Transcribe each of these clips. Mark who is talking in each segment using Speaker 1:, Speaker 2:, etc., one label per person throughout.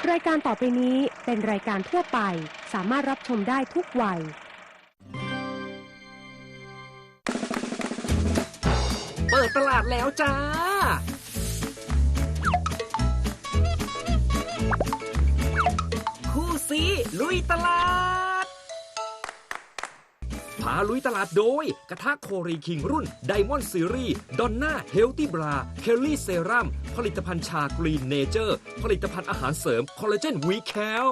Speaker 1: รายการต่อไปนี้เป็นรายการทั่วไปสามารถรับชมได้ทุกวัย
Speaker 2: เปิดตลาดแล้วจ้าคู่ซีลุยตลาดพาลุยตลาดโดยกระทะโครีคิงรุ่นไดมอนด์ซีรีส์ดอนน่าเฮลตี้บราเคลลี่เซรั่มผลิตภัณฑ์ชากรีนเนเจอร์ผลิตภัณฑ์อาหารเสริมคอลลาเจนวีแคล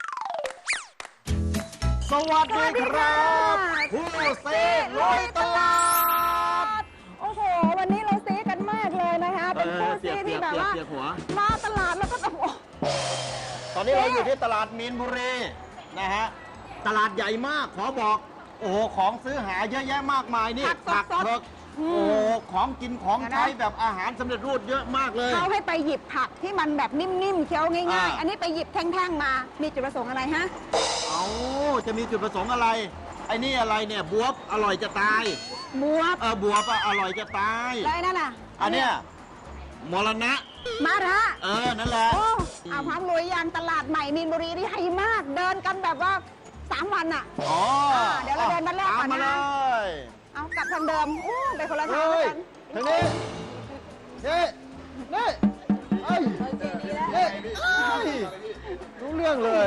Speaker 3: สวัสดีครับคู่ซีลุยตลาด
Speaker 4: โอ้โหวันนี้เราซีกันมากเลยนะคะเป็นคู่ซีที่แบบว่ามาตลาดแล้วก็แบบ
Speaker 3: ตอนนี้เราอยู่ที่ตลาดมีนบุรีนะฮะตลาดใหญ่มากขอบอกโอ้โหของซื้อหาเยอะแยะมากมายนี่ผักเผือกโอ้โหของกินของใช้แบบอาหารสำเร็จรูปเยอะมากเลย
Speaker 4: เขาให้ไปหยิบผักที่มันแบบนิ่มๆเคี้ยวง่ายๆอันนี้ไปหยิบแท่งๆมามีจุดประสงค์อะไรฮะ
Speaker 3: เอาจะมีจุดประสงค์อะไรไอ้นี่อะไรเนี่ยบวบอร่อยจะตาย
Speaker 4: บวบบ
Speaker 3: วบอร่อยจะตาย
Speaker 4: แล้วนั่นน่ะ
Speaker 3: อันเนี้ยมรณะ
Speaker 4: มาระ
Speaker 3: นั่นแหละ
Speaker 4: โอ้เอาพร้อมลุยยางตลาดใหม่มีนบุรีที่ใหญ่มากเดินกันแบบว่า3 วันอ่ะเดี๋ยวเราเดินมาแรกก่อนนะเอากลับทางเดิมไปคนละทางกัน
Speaker 3: ทางนี้นี่เอ้ยรู้เรื่องเลย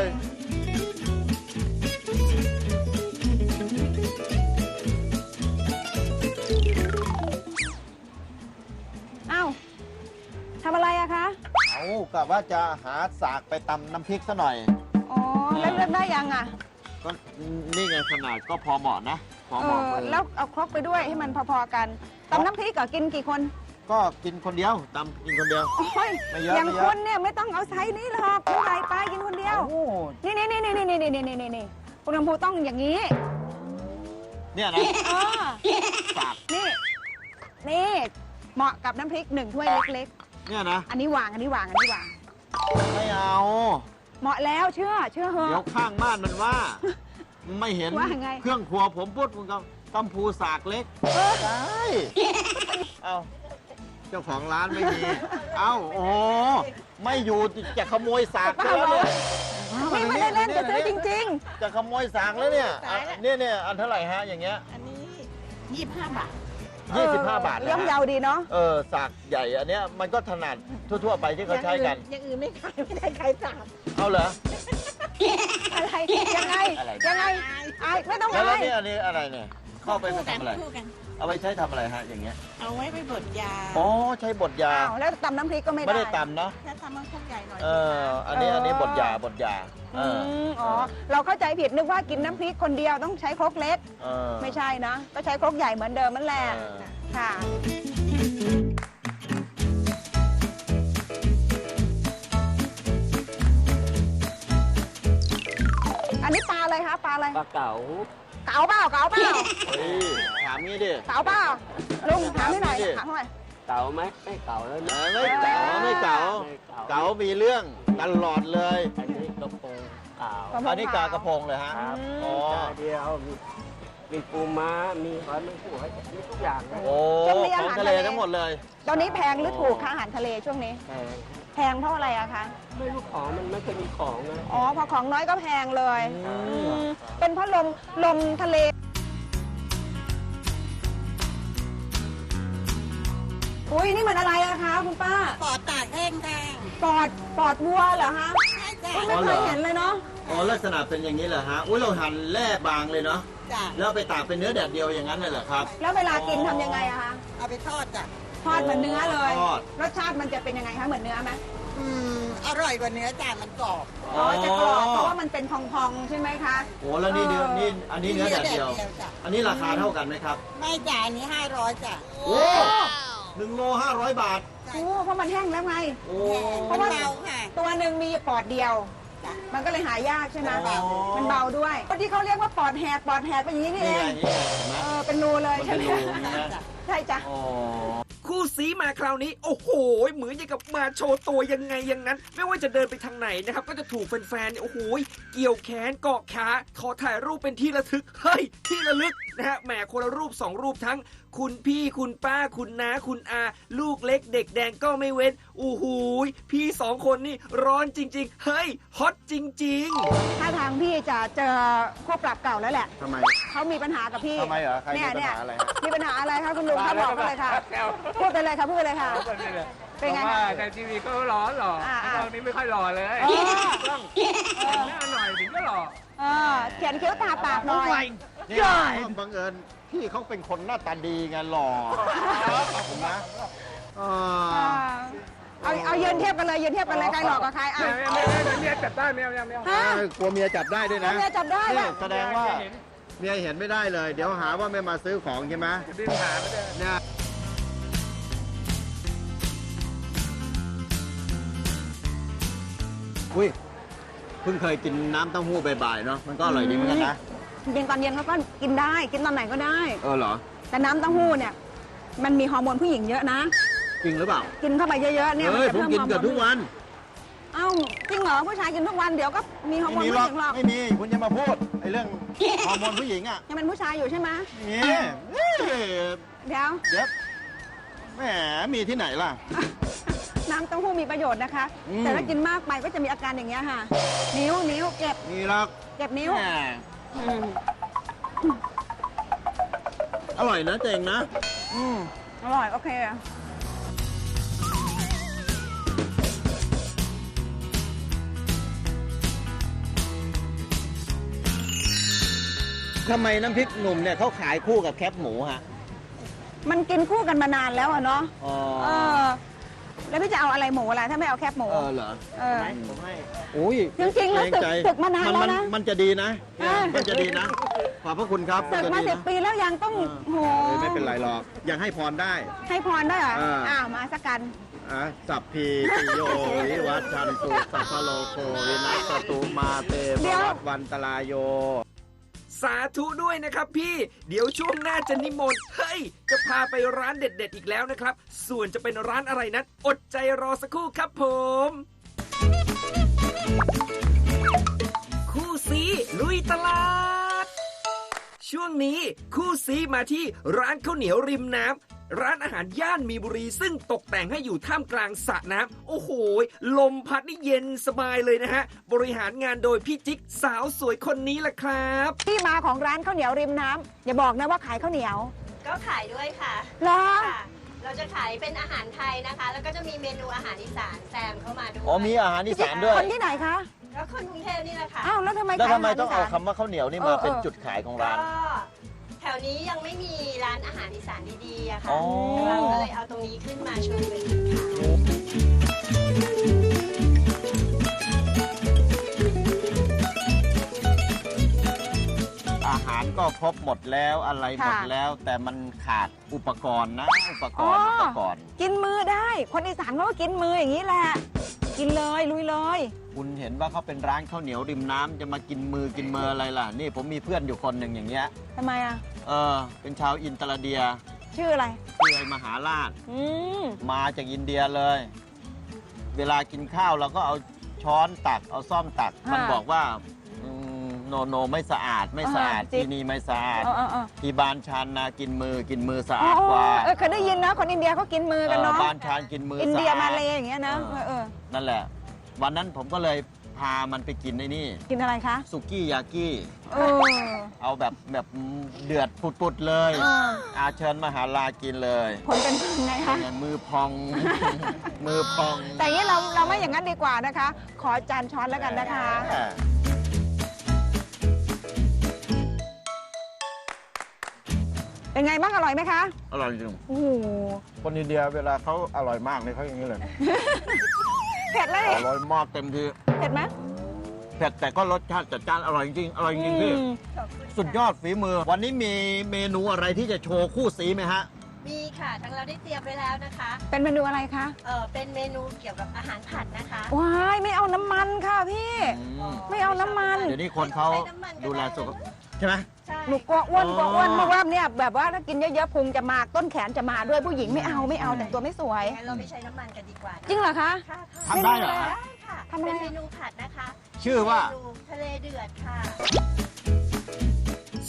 Speaker 4: ทำอะไรอะคะ
Speaker 3: กะว่าจะหาสากไปตำน้ำพริกซะหน่อย
Speaker 4: แล้วเลือกได้ยังอะ
Speaker 3: ก็นี่ไงขนาดก็พอเหมาะนะพอเหมาะ
Speaker 4: แล้วเอาครกไปด้วยให้มันพอๆกันตำน้ำพริกก็กินกี่คน
Speaker 3: ก็กินคนเดียวตำกินคนเดียว
Speaker 4: ไม่เยอะอย่างคนเนี่ยไม่ต้องเอาไซส์นี้หรอกคุณใหญ่ไปกินคนเดียวนี่คุณลำพูต้องอย่างนี้
Speaker 3: เนี่ยนะ
Speaker 4: สากนี่เหมาะกับน้ำพริก1 ถ้วยเล็ก
Speaker 3: ๆเนี่ยนะ
Speaker 4: อันนี้วาง
Speaker 3: ไม่เอา
Speaker 4: เหมาะแล้วเชื่อเหอะ
Speaker 3: เดี๋ยวข้างบ้านมันว่าไม่เห็นเครื่องครัวผมพูดมึงกับกัมพูสากเล็กใช่เอาเจ้าของร้านไม่มีโอ้ไม่อยู่จะขโมยสากแล้วเนี่ย
Speaker 4: ไม่ได้เล่นจะซื้อจริง
Speaker 3: ๆจะขโมยสากแล้วเนี่ยอันเท่าไหร่ฮะอย่างเงี้ย
Speaker 4: อันนี้25 บาท
Speaker 3: 25 บาท
Speaker 4: ย่อมเยาดีเนาะ
Speaker 3: สากใหญ่อันเนี้ยมันก็ถนัดทั่วๆไปที่เขาใช้กัน
Speaker 4: อย่างอื่นไม่ได้ใครสาก
Speaker 3: เอาเหรอ
Speaker 4: อะไรยังไงไม่ต้อง
Speaker 3: แล้วนี่อันนี้อะไรเนี่ยเข้าไปทำอะไรเอาไปใช้ทำอะไรฮะอย่างเงี้ย
Speaker 4: เอาไว้ไปบดยา
Speaker 3: ใช้บดยา
Speaker 4: แล้วตำน้ำพริกก็ไม่
Speaker 3: ได้ตำเนาะ
Speaker 4: แค่ตำมันพวกใหญ่หน่อย
Speaker 3: อันนี้บดยา
Speaker 4: เราเข้าใจผิดนึกว่ากินน้ำพริกคนเดียวต้องใช้ครกเล็กไม่ใช่นะก็ใช้ครกใหญ่เหมือนเดิมนั่นแหละค่ะอันนี้ปลาอะไรคะปลาอะไร
Speaker 2: ปลาเก๋า
Speaker 4: เก๋าเปล่า
Speaker 3: ถามงี้ดิ
Speaker 4: เก๋าเปล่าลุงถามให้หน่อยถามหน่อย
Speaker 2: เก๋าไหมไม่เก๋าแล้วนะ
Speaker 3: ไม่เก๋ามีเรื่องตลอดเลย
Speaker 2: อันนี้กระพงเก๋า
Speaker 3: อันนี้กากระพงเลยฮะ
Speaker 2: เดียวมีปูม้ามีหอยแมงผู้มีทุกอย่าง
Speaker 3: ของทะเลทั้งหมดเลย
Speaker 4: ตอนนี้แพงหรือถูกคะอาหารทะเลช่วงนี้แพงเพราะอะไรอะคะ
Speaker 2: ไม่รู้ของมันไม่เคยมีของนะ
Speaker 4: พอของน้อยก็แพงเลยเป็นเพราะลมทะเลอุ้ยนี่มันอะไรอะคะคุณป้า
Speaker 5: ปอดตากแห้ง
Speaker 4: ปอดวัวเหรอคะไม่เคยเห็นเลยเนาะ
Speaker 3: ลักษณะเป็นอย่างนี้เหรอฮะเราหั่นแล่บางเลยเนาะแล้วไปตากเป็นเนื้อแดดเดียวอย่างนั้นเลยเหรอครับ
Speaker 4: แล้วเวลากินทำยังไงอะคะ
Speaker 5: เอาไปทอดจ้ะ
Speaker 4: ทอดเหมือนเนื้อเลยรสชาติมันจะเป็นยังไงคะเหมือนเนื้อไหม
Speaker 5: อร่อยกว่าเนื้อจ้ะมันกรอบ
Speaker 4: จะกรอบเพราะว่ามันเป็นพองๆใช่ไหมคะ
Speaker 3: แล้วนี่อันนี้เนื้อแดดเดียวอันนี้ราคาเท่ากันไหมครับ
Speaker 5: ไม่จ้ะอันนี้500จ้ะ
Speaker 3: 1 โล500 บาท
Speaker 4: เพราะมันแห้งแล้วไง
Speaker 5: เพราะว่า
Speaker 4: ตัวหนึ่งมีปอดเดียวมันก็เลยหายากใช่ไหมมันเบาด้วยที่เขาเรียกว่าปอดแหกเป็นอย่างนี้นี่เองเป็นรูเลยใช่ไหมใช่จ้ะ
Speaker 2: คู่ซีมาคราวนี้โอ้โหเหมือนอย่างกับมาโชว์ตัวยังไงอย่างนั้นไม่ว่าจะเดินไปทางไหนนะครับก็จะถูกแฟนๆโอ้โหเกี่ยวแขนเกาะขาขอถ่ายรูปเป็นที่ระลึกนะฮะแหมคนละรูป2 รูปทั้ง
Speaker 6: คุณพี่คุณป้าคุณน้าคุณอา ลูกเล็กเด็กแดงก็ไม่เว้นอู้หูยพี่สองคนนี่ร้อนจริง ๆ เฮ้ยฮอตจริง ๆ
Speaker 4: ถ้าทางพี่จะเจอคู่ปรับเก่าแล้วแหละ
Speaker 3: ทำไม
Speaker 4: เขามีปัญหากับพี่
Speaker 3: ทำไมเหรอใครมีปัญหาอะไร
Speaker 4: มีปัญหาอะไรคะคุณลุงคะบอกไปเลยค่ะ พูดไปเลยค่ะพูดไปเลยค่ะ เป็นไง
Speaker 7: ว่า
Speaker 4: คะ
Speaker 7: ในทีวีก็หล่อหล่อ
Speaker 4: อ่า
Speaker 7: ตอนนี้ไม่ค่อยหล่อเลย
Speaker 4: อ๋อ
Speaker 7: ต้องแต่งหน้าหน่อยถึงก็หล่อ
Speaker 4: เขียนคิ้วตาปากหน่อย
Speaker 3: นี่บังเอิญพี่เขาเป็นคนหน้าตาดีไงหล่อขอบคุณนะ
Speaker 4: เอายืนเทียบกันเลยยืนเทียบกันเลยใครหลอกกับใครอ่ะ
Speaker 7: เมียจับได้เมีย
Speaker 4: ฮะ
Speaker 3: กลัวเมียจับได้ด้วยนะ
Speaker 4: เมียจับได้
Speaker 3: นี่
Speaker 4: ป่ะ
Speaker 3: แสดงว่าเมียเห็นไม่ได้เลย เดี๋ยวหาว่าไม่มาซื้อของใช่ไหม
Speaker 7: ดิ้นหาไม่ได้
Speaker 3: เนี่ยอุ้ยเพิ่งเคยกินน้ำเต้าหู้บ่ายๆเนาะมันก็อร่อยดีเหมือนกันนะ
Speaker 4: จริงๆตอนเย็นเขาก็กินได้กินตอนไหนก็ได้
Speaker 3: เหรอ
Speaker 4: แต่น้ำเต้าหู้เนี่ย มันมีฮอร์โมนผู้หญิงเยอะนะ
Speaker 3: จริงหรือเปล่า
Speaker 4: กินเข้าไปเยอะๆเนี่ย
Speaker 3: เฮ้ย
Speaker 4: จะ
Speaker 3: ผม
Speaker 4: เพิ่ม
Speaker 3: กิน
Speaker 4: ฮอร์โม
Speaker 3: เกือบทุกวัน
Speaker 4: เอ้าจริงเหรอผู้ชายกินทุกวันเดี๋ยวก็มีฮอร์โม
Speaker 3: ไม่
Speaker 4: น
Speaker 3: มี
Speaker 4: ผู้
Speaker 3: หรอก
Speaker 4: หญิงหรอก
Speaker 3: ไม่มีคุณจะมาพูดไอ้เรื่องฮอร์โมนผู้หญิงอ่ะ
Speaker 4: ยังเป็นผู้ชายอยู่ใช่ไหม
Speaker 3: นี่
Speaker 4: เดี๋ยว
Speaker 3: เดี๋ยวแหมมีที่ไหนล่ะ
Speaker 4: น้ำเต้าหู้มีประโยชน์นะคะ
Speaker 3: อืม
Speaker 4: แต่ถ้ากินมากไปก็จะมีอาการอย่างเงี้ยค่ะ นิ้วเก็บ
Speaker 3: มีหรอก
Speaker 4: เก็บนิ้ว
Speaker 3: แหม
Speaker 4: อืม
Speaker 3: อร่อยนะเจ๋งนะ
Speaker 4: อร่อยโอเค
Speaker 3: ทำไมน้ำพริกหนุ่มเนี่ยเขาขายคู่กับแคปหมูฮะ
Speaker 4: มันกินคู่กันมานานแล้วอะเนาะ
Speaker 3: อ๋อ
Speaker 4: เออ แล้วพี่จะเอาอะไรหมูอะไรถ้าไม่เอาแคบหมู
Speaker 3: เหรอ
Speaker 4: เออ
Speaker 3: ผมให้โอ้ย
Speaker 4: จริงๆแล้ว
Speaker 3: เกใจ
Speaker 4: ศึกมานานแล้วนะ
Speaker 3: มันจะดีนะ
Speaker 4: อ่า
Speaker 3: มันจะดีนะ ขอบพระคุณครับ
Speaker 4: ศึกมา
Speaker 3: นจะดีนะ
Speaker 4: 10 ปีแล้วยังต้องโห
Speaker 3: ไม่เป็นไรหรอก ยังให้พรได้
Speaker 4: ให้พรได้เหรอ
Speaker 3: อ่า
Speaker 4: อ้าวมาสักกัน
Speaker 3: สัพพีติโยวิวัชชันตุสัพพะโลโควินัสตุมาเต
Speaker 4: เดี๋ยว
Speaker 3: วัตวันตรายโย
Speaker 6: สาธุด้วยนะครับพี่ เดี๋ยวช่วงหน้าจะนิมนต์ เฮ้ย จะพาไปร้านเด็ด ๆ อีกแล้วนะครับ ส่วนจะเป็นร้านอะไรนั้น อดใจรอสักครู่ครับผม คู่ซีลุยตลาด ช่วงนี้คู่ซีมาที่ร้านข้าวเหนียวริมน้ำร้านอาหารย่านมีบุรี ซึ่งตกแต่งให้อยู่ท่ามกลางสระน้ำโอ้โห ลมพัดนี่เย็นสบายเลยนะฮะ บริหารงานโดยพี่จิ๊กสาวสวยคนนี้แหละครับ
Speaker 4: ที่มาของร้านข้าวเหนียวริมน้ำอย่าบอกนะว่าขายข้าวเหนียว
Speaker 8: ก็ขายด้วยค่ะ
Speaker 4: เหรอ
Speaker 8: ค่ะ เราจะขายเป็นอาหารไทยนะคะ แล้วก็จะมีเมนูอาหารอีสานแซมเข้ามาด้วย
Speaker 3: อ๋อมีอาหารอีสานด้วย
Speaker 4: คนที่ไหนคะ
Speaker 8: แล้วคนกรุงเทพนี่แหละค่ะ
Speaker 4: อ้าวแล้วทำไม
Speaker 3: แล้ว
Speaker 4: ขาย
Speaker 3: ทำไมต้องเอา
Speaker 4: หรสน
Speaker 3: คำว่าข้าวเหนียวนี่มาเป็นจุดขายของร้าน
Speaker 8: ก็แถวนี้ยังไม่มีร้านอาหารอีสานดีๆอะค่ะ
Speaker 3: อ๋อ
Speaker 8: เราก็เลยเอาตรงนี้ขึ้นมาโชว์เป็นจุดขาย
Speaker 3: อาหารก็ครบหมดแล้วอะไรหมดแล้ว แต่มันขาดอุปกรณ์นะ อุปกรณ์
Speaker 4: กินมือได้ คนอีสานเขาก็กินมืออย่างนี้แหละ กินเลยลุยเลย
Speaker 3: คุณเห็นว่าเขาเป็นร้านข้าวเหนียวริมน้ำจะมากินมือกินเมออะไรล่ะ นี่ผมมีเพื่อนอยู่คนหนึ่งอย่างเงี้ย
Speaker 4: ทำไมอ่ะ
Speaker 3: เป็นชาวอินเตอร์เดีย
Speaker 4: ชื่ออะไร
Speaker 3: ชื่อไอ้มหาราช
Speaker 4: อืม
Speaker 3: มาจากอินเดียเลย เวลากินข้าวเราก็เอาช้อนตัก เอาซ่อมตัก มันบอกว่าโนไม่สะอาดไม่สะอาดที่นี่ไม่สะอาด ที่บ้านชันนะกินมือสะอาดกว่า
Speaker 4: เคยได้ยินนะ คนอินเดียเขากินมือกันเนาะ
Speaker 3: บ้านชันกินมือ
Speaker 4: อิน
Speaker 3: สะ
Speaker 4: เดีย
Speaker 3: อาด
Speaker 4: มาเลยอย่างเงี้ยนะ
Speaker 3: นั่นแหละ วันนั้นผมก็เลยพามันไปกินไอ้นี่
Speaker 4: กินอะไรคะ
Speaker 3: สุกี้ยากิ
Speaker 4: เออ
Speaker 3: เอาแบบเดือดปุดๆเลย อาเชิญมหาลากินเลย
Speaker 4: ผลเป็นไงคะ
Speaker 3: มือพอง มือพอง
Speaker 4: แต่อย่างนี้เราไม่อย่างนั้นดีกว่านะคะ ขอจานช้อนแล้วกันนะคะ เป็นไงบ้างอร่อยไหมคะ
Speaker 3: อร่อยจริง
Speaker 4: โอ้โห
Speaker 3: คนอินเดียเวลาเขาอร่อยมากเลยเขาอย่างนี้เลย
Speaker 4: เผ็ดเลย
Speaker 3: อร่อยมากเต็มที่
Speaker 4: เผ็ดไหม
Speaker 3: เผ็ดแต่ก็รสชาติจัดจ้านอร่อยจริงอร่อยจริงพี่ สุดยอดฝีมือ วันนี้มีเมนูอะไรที่จะโชว์คู่สีไหมฮะ
Speaker 8: มีค่ะทั้งเราได้เตรียมไว้แล้วนะคะ
Speaker 4: เป็นเมนูอะไรคะ
Speaker 8: เป็นเมนูเกี่ยวกับอาหารผัดนะคะ
Speaker 4: ว้ายไม่เอาน้ำมันค่ะพี่ ไม่เอาน้ำมัน
Speaker 3: เดี๋ยวนี้คนเขาดูแลสุขภาพใช่ไหม
Speaker 8: ใช่
Speaker 4: หนูกลัวอ้วนเพราะว่าเนี่ยแบบว่าถ้ากินเยอะๆพุงจะมาต้นแขนจะมาด้วยผู้หญิงไม่เอาแต่งตัวไม่สวย
Speaker 8: งั้นเราไม่ใช้น้ำมันกันดีกว่านะ
Speaker 4: จริงเหรอคะ
Speaker 8: ค่ะ
Speaker 3: ทำได้เหรอ
Speaker 8: ได้ค่ะ
Speaker 4: ทำอะไร
Speaker 8: เป็นเมนูผัดนะคะ
Speaker 3: ชื่อว่า
Speaker 8: เมนูทะเลเดือดค่ะ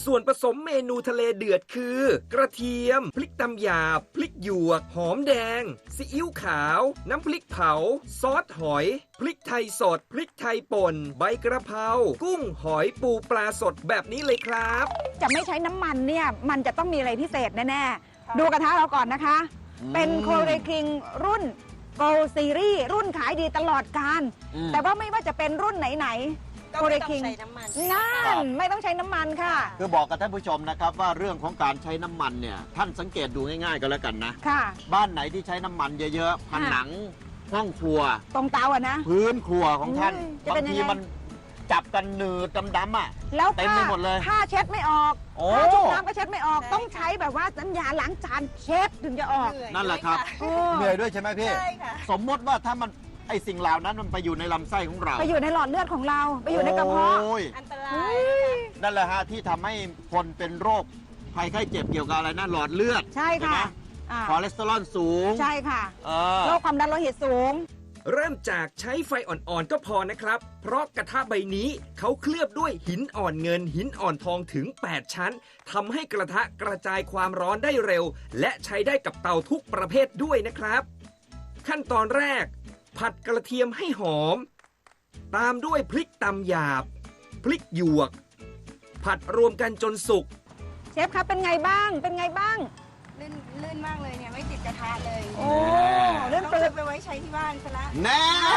Speaker 6: ส่วนผสมเมนูทะเลเดือดคือ กระเทียม พริกตำหยาบ พริกหยวก หอมแดง ซีอิ๊วขาว น้ำพริกเผา ซอสหอย พริกไทยสด พริกไทยป่น ใบกระเพรา กุ้งหอยปูปลาสดแบบนี้เลยครับ
Speaker 4: จะไม่ใช้น้ำมันเนี่ยมันจะต้องมีอะไรพิเศษแน่ๆ ดูกระทะเราก่อนนะคะ เป็นโคเรคิงรุ่น Gold Series รุ่นขายดีตลอดกาลแต่ว่าไม่ว่าจะเป็นรุ่นไหนๆ
Speaker 8: ก็
Speaker 4: โคเร
Speaker 8: ไม่ต้อง
Speaker 4: คิง
Speaker 8: ใช้น้ำมัน
Speaker 4: นั่นไม่ต้องใช้น้ำมันค่ะ
Speaker 3: คือบอกกับท่านผู้ชมนะครับว่าเรื่องของการใช้น้ำมันเนี่ยท่านสังเกตดูง่ายๆก็แล้วกันนะ
Speaker 4: ค่ะ
Speaker 3: บ้านไหนที่ใช้น้ำมันเยอะๆผนังห้องครัว
Speaker 4: ตรงเตาอะนะ
Speaker 3: พื้นครัวของท่าน
Speaker 4: จะ
Speaker 3: บา
Speaker 4: เป็น
Speaker 3: ง
Speaker 4: ยัง
Speaker 3: ที
Speaker 4: ไง
Speaker 3: มันจับกันหนืดดำๆอ่ะ
Speaker 4: แล้ว
Speaker 3: เต็มไปหมดเลย
Speaker 4: ผ้าเช็ดไม่ออก
Speaker 3: โอ้
Speaker 4: ผ้าชุบน้ำก็เช็ดไม่ออก
Speaker 8: ใช่
Speaker 4: ต้องใช้แบบว่าน้ำยาล้างจานเช็ดถึงจะออก
Speaker 3: นั่นแหละครับ
Speaker 4: โอ้
Speaker 3: เหนื่อยด้วยใช่ไหมพี่
Speaker 8: ใช่ค่ะ
Speaker 3: สมมติว่าถ้ามันไอสิ่งเหล่านั้นมันไปอยู่ในลำไส้ของเรา
Speaker 4: ไปอยู่ในหลอดเลือดของเรา ไปอยู่ในกระเพาะ
Speaker 3: โอ้ย
Speaker 8: อันตราย
Speaker 3: นั่นแหละฮะที่ทำให้คนเป็นโรคภัยไข้เจ็บเกี่ยวกับอะไรนะหลอดเลือด
Speaker 4: ใช่
Speaker 3: ไหม
Speaker 4: ค่ะอ่า
Speaker 3: คอเลสเตอรอลสูง
Speaker 4: ใช่ค่ะ
Speaker 3: เออ
Speaker 4: โรคความดันโลหิตสูง
Speaker 6: เริ่มจากใช้ไฟอ่อนๆก็พอนะครับ เพราะกระทะใบนี้เขาเคลือบด้วยหินอ่อนเงิน หินอ่อนทองถึง 8 ชั้นทำให้กระทะกระจายความร้อนได้เร็ว และใช้ได้กับเตาทุกประเภทด้วยนะครับ ขั้นตอนแรก ผัดกระเทียมให้หอม ตามด้วยพริกตำหยาบ พริกหยวก ผัดรวมกันจนสุก
Speaker 4: เชฟครับเป็นไงบ้าง เป็นไงบ้าง
Speaker 8: ลื่นมากเลยเนี่ย ไม่ติดกระทะเลย
Speaker 4: โอ้เรื่อง
Speaker 8: ต้อง
Speaker 4: เปิ
Speaker 8: ซื้
Speaker 4: ด
Speaker 8: อไปไว้ใช้ที่บ้านซะละ
Speaker 3: แน่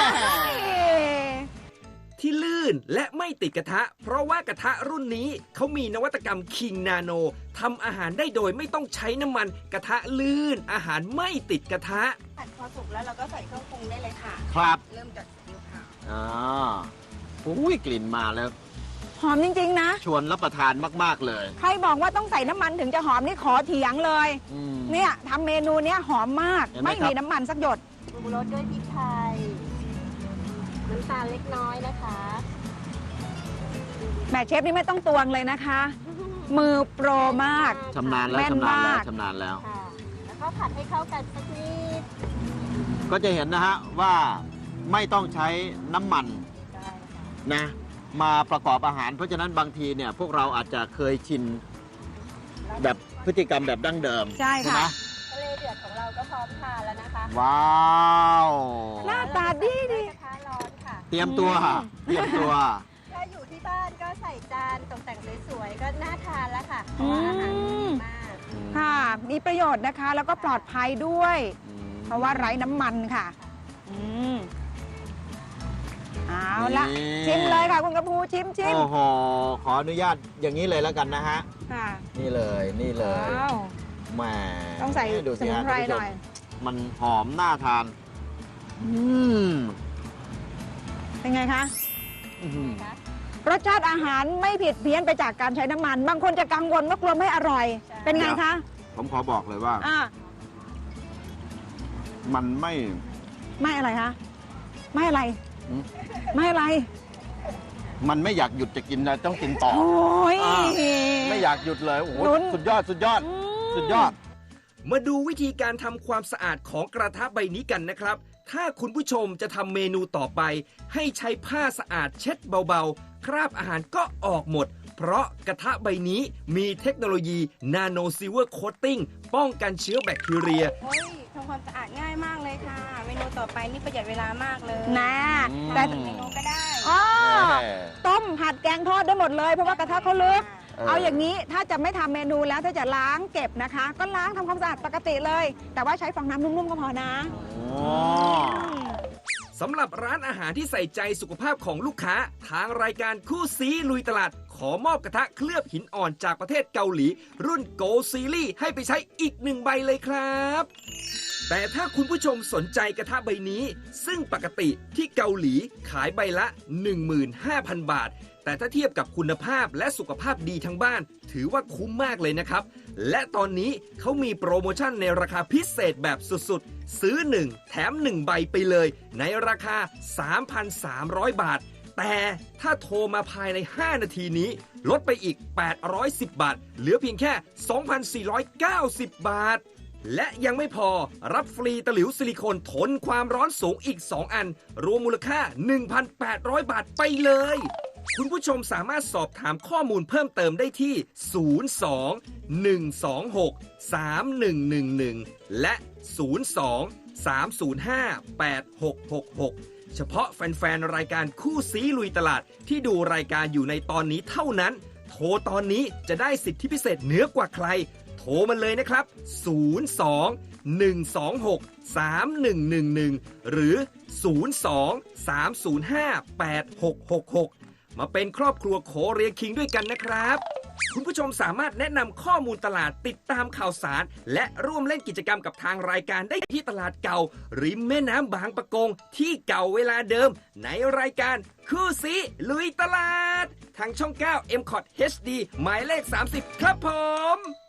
Speaker 6: ที่ลื่นและไม่ติดกระทะ เพราะว่ากระทะรุ่นนี้เขามีนวัตกรรมคิงนาโนทำอาหารได้โดยไม่ต้องใช้น้ำมันกระทะลื่น อาหารไม่ติดกระทะ
Speaker 8: ผัดพอสุกแล้วเราก็ใส่เครื่องปรุงได้เลยค่ะ
Speaker 3: ครับ
Speaker 8: เริ่มจากซีอิ๊วขาว
Speaker 3: อ่าอุ้ยกลิ่นมาแล้ว
Speaker 4: หอมจริงๆนะ
Speaker 3: ชวนรับประทานมากๆเลย
Speaker 4: ใครบอกว่าต้องใส่น้ำมันถึงจะหอมนี่ขอเถียงเลย
Speaker 3: อืม
Speaker 4: เนี่ยทำเมนูเนี้ยหอมมาก
Speaker 3: เห็นไหม
Speaker 4: ไม่
Speaker 3: ครับ
Speaker 4: มีน้ำมันสักหยด
Speaker 8: ปรุงรสด้วยพริกไทย น้ำตาลเล็กน้อยนะคะ
Speaker 4: แม่เชฟนี่ไม่ต้องตวงเลยนะคะ มือโปรมาก
Speaker 3: ชำนาญแล้ว
Speaker 4: แม่น
Speaker 3: ชำนาญแล้ว
Speaker 4: มาก
Speaker 3: ชำนาญแล้ว
Speaker 8: ค่ะ แล้วก็ผัดให้เข้ากันสักนิด
Speaker 3: ก็จะเห็นนะฮะว่าไม่ต้องใช้น้ำมัน
Speaker 8: ได้ค่ะ
Speaker 3: นะมาประกอบอาหาร เพราะฉะนั้นบางทีเนี่ยพวกเราอาจจะเคยชินแบบพฤติกรรมแบบดั้งเดิม
Speaker 4: ใช่ค่ะ
Speaker 3: ไหม
Speaker 8: ทะเลเดือดของเราก็พร้อมทานแล้วนะคะ
Speaker 3: ว้าว
Speaker 4: หน้าตาดีดี
Speaker 8: กระทะร้อนค่ะ
Speaker 3: เตรียมตัว
Speaker 4: อืม
Speaker 3: เตรียมตัว
Speaker 8: ถ้าอยู่ที่บ้านก็ใส่จานตกแต่งสวยๆก็น่าทานแล้วค่ะ เพราะว่าอาหารดีมาก
Speaker 4: ค่ะ มีประโยชน์นะคะ แล้วก็ปลอดภัยด้วย เพราะว่าไร้น้ำมันค่ะ อืมเอาละ
Speaker 3: นี่
Speaker 4: ชิมเลยค่ะคุณกระพูชิม
Speaker 3: โอ้โห ขออนุญาตอย่างนี้เลยแล้วกันนะฮะ
Speaker 4: ค่ะ
Speaker 3: นี่เลยนี่เลย
Speaker 4: ว้าว
Speaker 3: แหม
Speaker 4: ต้องใส่
Speaker 3: ดู
Speaker 4: ส
Speaker 3: สิ
Speaker 4: มุน
Speaker 3: ฮะ
Speaker 4: ไพร
Speaker 3: ท่านผู้ช
Speaker 4: หน่
Speaker 3: ม
Speaker 4: อย
Speaker 3: มันหอมน่าทาน อืม
Speaker 4: เป็นไงคะ
Speaker 3: อื้อหือ
Speaker 4: รสชาติอาหารไม่ผิดเพี้ยนไปจากการใช้น้ำมัน บางคนจะกังวลว่ากลัวไม่อร่อย
Speaker 8: ใช่
Speaker 4: เป็นไงคะ
Speaker 3: ผมขอบอกเลยว่า
Speaker 4: อ่า
Speaker 3: มันไม่
Speaker 4: ไม่อะไรคะ ไม่อะไร
Speaker 3: อืม
Speaker 4: ไม่อะไร
Speaker 3: มันไม่อยากหยุดจะกินนะต้องกินต่อ
Speaker 4: โอ้ย
Speaker 3: อ่า ไม่อยากหยุดเลย โอ้โห
Speaker 4: ลุ้น
Speaker 3: สุดยอด สุดยอด สุดยอด
Speaker 6: มาดูวิธีการทำความสะอาดของกระทะใบนี้กันนะครับ ถ้าคุณผู้ชมจะทำเมนูต่อไป ให้ใช้ผ้าสะอาดเช็ดเบาๆ คราบอาหารก็ออกหมด เพราะกระทะใบนี้มีเทคโนโลยีนาโนซิลเวอร์โคตติ้งป้องกันเชื้อแบคทีเรีย
Speaker 8: โอ้ยทำความสะอาดง่ายมากเลยค่ะ เมนูต่อไปนี่ประหยัดเวลามากเลย
Speaker 4: นะ
Speaker 3: อืม
Speaker 4: แต่
Speaker 8: เมนูก็ได้
Speaker 4: อ๋อ
Speaker 3: แหม
Speaker 4: ต้มผัดแกงทอดได้หมดเลย เพราะว่ากระทะเขาลึก
Speaker 3: เออ
Speaker 4: เอาอย่างนี้ถ้าจะไม่ทำเมนูแล้วถ้าจะล้างเก็บนะคะ ก็ล้างทำความสะอาดปกติเลย แต่ว่าใช้ฟองน้ำนุ่มๆก็พอนะ
Speaker 3: โอ้
Speaker 6: สำหรับร้านอาหารที่ใส่ใจสุขภาพของลูกค้า ทางรายการคู่ซีลุยตลาด ขอมอบกระทะเคลือบหินอ่อนจากประเทศเกาหลี รุ่น Gold Series ให้ไปใช้อีก1ใบเลยครับ แต่ถ้าคุณผู้ชมสนใจกระทะใบนี้ ซึ่งปกติที่เกาหลีขายใบละ 15,000 บาท แต่ถ้าเทียบกับคุณภาพและสุขภาพดีทั้งบ้าน ถือว่าคุ้มมากเลยนะครับ และตอนนี้เขามีโปรโมชั่นในราคาพิเศษแบบสุดๆ ซื้อ 1 แถม 1 ใบไปเลย ในราคา 3,300 บาท แต่ถ้าโทรมาภายใน 5 นาทีนี้ ลดไปอีก 810 บาท เหลือเพียงแค่ 2,490 บาท และยังไม่พอรับฟรีตะหลิวซิลิโคนทนความร้อนสูงอีก 2 อัน รวมมูลค่า 1,800 บาทไปเลยคุณผู้ชมสามารถสอบถามข้อมูลเพิ่มเติมได้ที่ 02-126-3111 และ 02-305-8666 เฉพาะแฟนๆ รายการคู่ซีลุยตลาดที่ดูรายการอยู่ในตอนนี้เท่านั้น โทรตอนนี้จะได้สิทธิพิเศษเหนือกว่าใคร โทรมาเลยนะครับ 02-126-3111 หรือ 02-305-8666 มาเป็นครอบครัวโคเรียคิงด้วยกันนะครับ คุณผู้ชมสามารถแนะนำข้อมูลตลาดติดตามข่าวสาร และร่วมเล่นกิจกรรมกับทางรายการได้ที่ตลาดเก่า ริมแม่น้ำบางปะกงที่เก่าเวลาเดิม ในรายการคู่ซีลุยตลาด ทางช่อง 9 MCOT HD หมายเลข 30 ครับผม